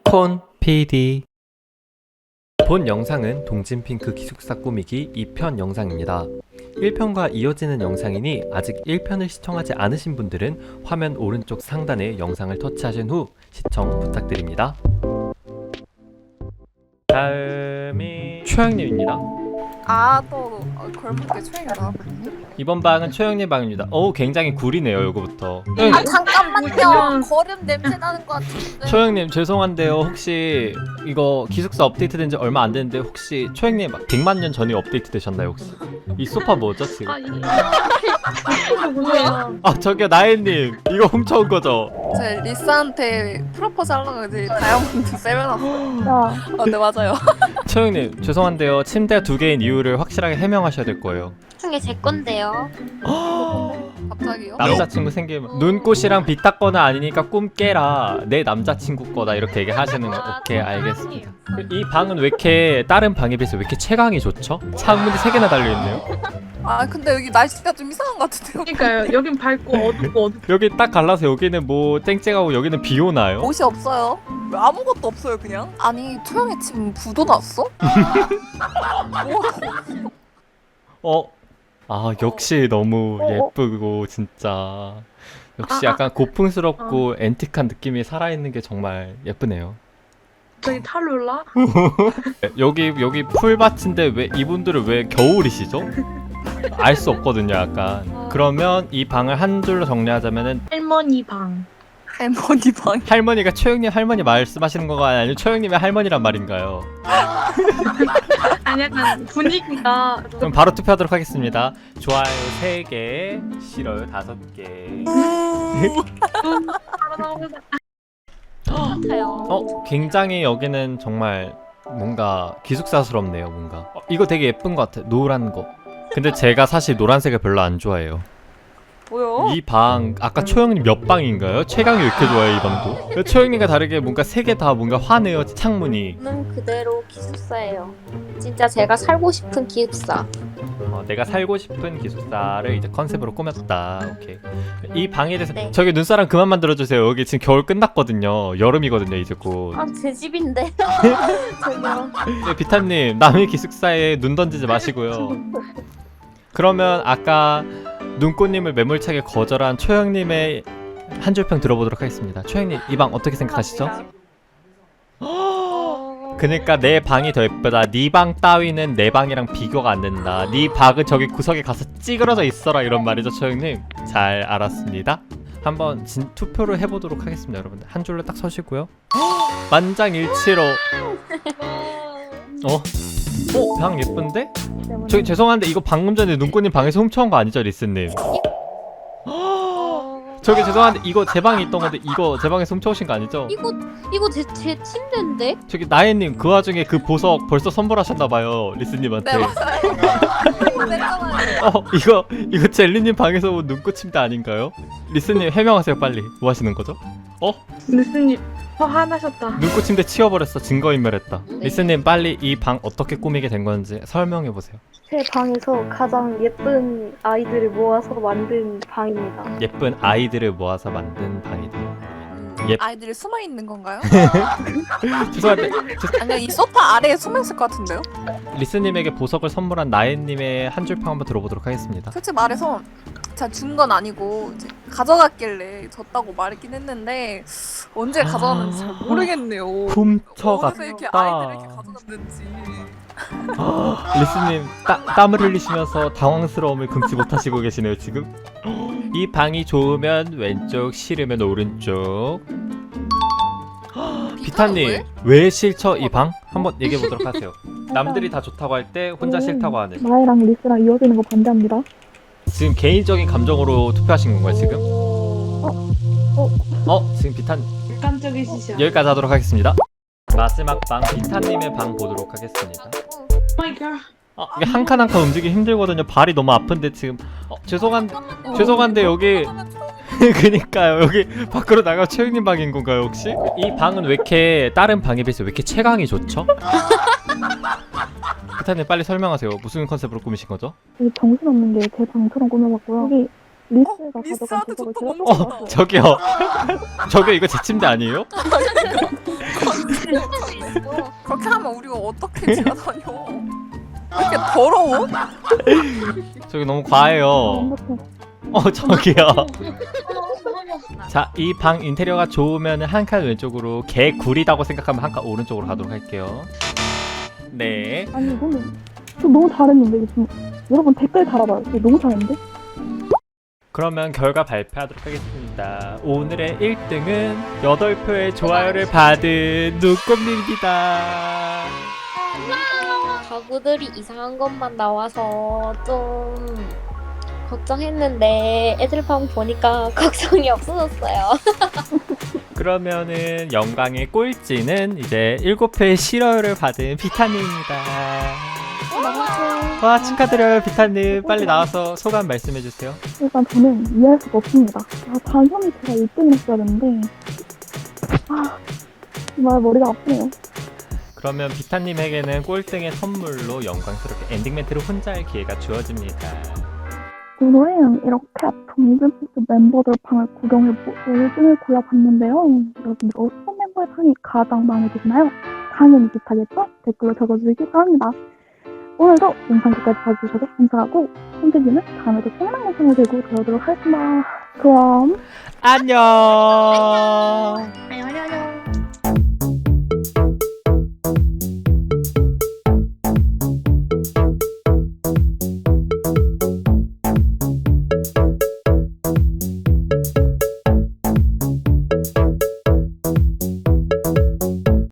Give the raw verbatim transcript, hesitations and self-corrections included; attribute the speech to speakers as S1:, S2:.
S1: 콘 피디. 본 영상은 동진핑크 기숙사 꾸미기 이 편 영상입니다. 일 편과 이어지는 영상이니 아직 일 편을 시청하지 않으신 분들은 화면 오른쪽 상단에 영상을 터치하신 후 시청 부탁드립니다. 다음이 최영님입니다.
S2: 아, 또 걸프게 초행이 나왔거든요.
S1: 이번 방은 최영님 방입니다. 오, 굉장히 구리네요, 요거부터.
S2: 아, 잠깐만요. 거름 냄새 나는 것 같은데.
S1: 초영님 죄송한데요, 혹시 이거 기숙사 업데이트 된 지 얼마 안 됐는데 혹시 초영님 백만 년 전에 업데이트 되셨나요 혹시? 이 소파 뭐죠 지금?
S3: 아, 이게 뭐예요?
S1: 아 저기요 나혜님 이거 훔쳐온 거죠?
S2: 제 리스한테 프로포즈 하려고 이제 다이아몬드 세면놨어요. 아, 네, 맞아요.
S1: 초영님 죄송한데요, 침대가 두 개인 이유를 확실하게 해명하셔야 될 거예요.
S3: 중에 제 건데요.
S2: 갑자기요?
S1: 남자친구 생기면 눈꽃이랑 비 닦거나 아니니까 꿈 깨라, 내 남자친구 거다, 이렇게 얘기하시는 거. 오케이 알겠습니다. 이 방은 왜 이렇게 다른 방에 비해서 왜 이렇게 채광이 좋죠? 창문이 세 개나 달려있네요.
S2: 아, 근데 여기 날씨가 좀 이상한 것 같은데요?
S3: 그러니까요. 여긴 밝고 어둡고 어둡고.
S1: 여기 딱 갈라서 여기는 뭐 쨍쨍하고 여기는 비 오나요?
S2: 옷이 없어요. 왜 아무것도 없어요, 그냥? 아니, 초영이 지금 부도 났어? 뭐?
S1: 어? 아 역시 너무 예쁘고 진짜 역시
S3: 아, 아.
S1: 약간 고풍스럽고 앤틱한 느낌이 살아있는 게 정말 예쁘네요.
S3: 저기 탈룰라?
S1: 여기 여기 풀밭인데 왜 이분들은 왜 겨울이시죠? 알 수 없거든요 약간. 그러면 이 방을 한 줄로 정리하자면은
S3: 할머니 방.
S2: 할머니 방.
S1: 할머니가 최영님 할머니 말씀하시는 거가 아니면 최영님의 할머니란 말인가요?
S3: 아니 약간 분위기가
S1: 그럼 바로 투표하도록 하겠습니다. 좋아요 세 개, 싫어요 다섯 개.
S3: 바로 나오면서
S2: 같아요.
S1: 어? 굉장히 여기는 정말 뭔가 기숙사스럽네요 뭔가. 어, 이거 되게 예쁜 것 같아, 노란 거. 근데 제가 사실 노란색을 별로 안 좋아해요.
S2: 뭐요?
S1: 이 방 아까 초영님 몇 방인가요? 최강이 왜 이렇게 좋아해 이 방도? 초영님과 다르게 뭔가 세 개 다 뭔가 환해요 창문이.
S4: 는 그대로 기숙사예요. 진짜 제가 살고 싶은 기숙사.
S1: 어, 내가 살고 싶은 기숙사를 이제 컨셉으로 꾸몄다. 오케이. 이 방에 대해서
S4: 네.
S1: 저기 눈사람 그만 만들어주세요. 여기 지금 겨울 끝났거든요. 여름이거든요 이제 곧.
S4: 아, 제 집인데. 저기요.
S1: 네, 비타님 남의 기숙사에 눈 던지지 마시고요. 그러면 아까 눈꽃님을 매몰차게 거절한 초영님의 한 줄평 들어보도록 하겠습니다. 초영님 이 방 어떻게 생각하시죠? 그니까 내 방이 더 예쁘다, 네 방 따위는 내 방이랑 비교가 안 된다, 네 방은 저기 구석에 가서 찌그러져 있어라, 이런 말이죠 초영님. 잘 알았습니다. 한번 진 투표를 해보도록 하겠습니다 여러분들. 한 줄로 딱 서시고요. 만장일치로. 어? 어? 방 예쁜데? 저기 죄송한데 이거 방금 전에 눈꽃님 방에서 훔쳐온 거 아니죠 리스님? 저기 죄송한데 이거 제 방에 있던 건데 이거 제 방에서 훔쳐오신 거 아니죠?
S4: 이거 이거 제 제 침대인데.
S1: 저기 나혜님 그 와중에 그 보석 벌써 선물하셨나봐요 리스님한테.
S2: 네, 맞아요. 냈잖아요.
S1: 어 이거 이거 젤리님 방에서 온 눈꽃 침대 아닌가요? 리스님 해명하세요 빨리. 뭐 하시는 거죠? 어?
S3: 리스님 화나셨다.
S1: 눈꽃 침대 치워버렸어. 증거인멸했다.
S4: 네.
S1: 리스님 빨리 이 방 어떻게 꾸미게 된 건지 설명해보세요.
S5: 제 방에서 가장 예쁜 아이들을 모아서 만든 방입니다.
S1: 예쁜 아이들을 모아서 만든 방이다. 예.
S2: 아이들이 숨어 있는 건가요?
S1: 죄송한데
S2: 아니, 이 소파 아래에 숨어 있을 것 같은데요?
S1: 리스님에게 보석을 선물한 나혜님의 한 줄평 한번 들어보도록 하겠습니다.
S2: 솔직히 말해서 제가 준 건 아니고 이제 가져갔길래 줬다고 말했긴 했는데 언제 가져갔는지 잘 모르겠네요. 어디서 이렇게 아이들을 이렇게
S1: 훔쳐갔다.
S2: 가져갔는지.
S1: 리스님 따, 땀을 흘리시면서 당황스러움을 금치 못하시고 계시네요 지금. 이 방이 좋으면 왼쪽, 싫으면 오른쪽. 비타님 왜 싫죠 이 방? 한번 얘기해 보도록 하세요. 남들이 다 좋다고 할 때 혼자 싫다고 하는.
S5: 나이랑 리스랑 이어지는 거 반대합니다.
S1: 지금 개인적인 감정으로 투표하신 건가요 지금? 어? 지금 비타님
S3: 깜짝이시죠.
S1: 여기까지 하도록 하겠습니다. 마지막 방 비타님의 방 보도록 하겠습니다.
S3: 마이 걸.
S1: 아, 이게 한 칸 한 칸 움직이기 힘들거든요. 발이 너무 아픈데 지금. 어, 죄송한데 죄송한데 여기 그니까요 여기 밖으로 나가 최영님 방인 건가요 혹시? 이 방은 왜 이렇게 다른 방에 비해서 왜 이렇게 채광이 좋죠? 비타님 빨리 설명하세요. 무슨 컨셉으로 꾸미신 거죠?
S5: 이 정신없는 게 제 방처럼 꾸며봤고요. 여기 리스가
S2: 리스한테
S5: 가져간 보석을
S2: 좋다고
S5: 제가
S1: 어 저기요 저기요 이거 제 침대 아니에요?
S2: 없으면 우리가 어떻게 지나다녀? 왜 이렇게 더러워?
S1: 저기 너무 과해요. 어 저기요. 자, 이 방 인테리어가 좋으면 한 칸 왼쪽으로, 개 구리다고 생각하면 한 칸 오른쪽으로 가도록 할게요. 네.
S6: 아니 이거는 저 너무 잘했는데 이거 좀 여러분 댓글 달아봐요. 이거 너무 잘했는데?
S1: 그러면 결과 발표하도록 하겠습니다. 오늘의 일 등은 여덟 표의 좋아요를 받은 누꼼님입니다.
S4: 가구들이 이상한 것만 나와서 좀 걱정했는데 애들 방 보니까 걱정이 없어졌어요.
S1: 그러면은 영광의 꼴찌는 이제 일곱 표의 싫어요를 받은 비타님입니다. 와, 축하드려요 비타님. 빨리 나와서 소감 말씀해주세요.
S6: 일단 저는 이해할 수가 없습니다. 아, 당연히 제가 일 등을 했어야 되는데 아 정말 머리가 아프네요.
S1: 그러면 비타님에게는 꼴등의 선물로 영광스럽게 엔딩 멘트를 혼자 할 기회가 주어집니다.
S6: 오늘은 이렇게 동진피스 멤버들 방을 구경해보고 일 등을 골라봤는데요. 여러분들 어떤 멤버의 방이 가장 마음에 드시나요? 당연히 비슷하겠죠? 댓글로 적어주시기 바랍니다. 오늘도 영상 끝까지 봐주셔서 감사하고 선생님은 다음에도 짱난 영상을 들고 돌아오도록 하겠습니다. 그럼
S1: 안녕.
S3: 안녕 안녕.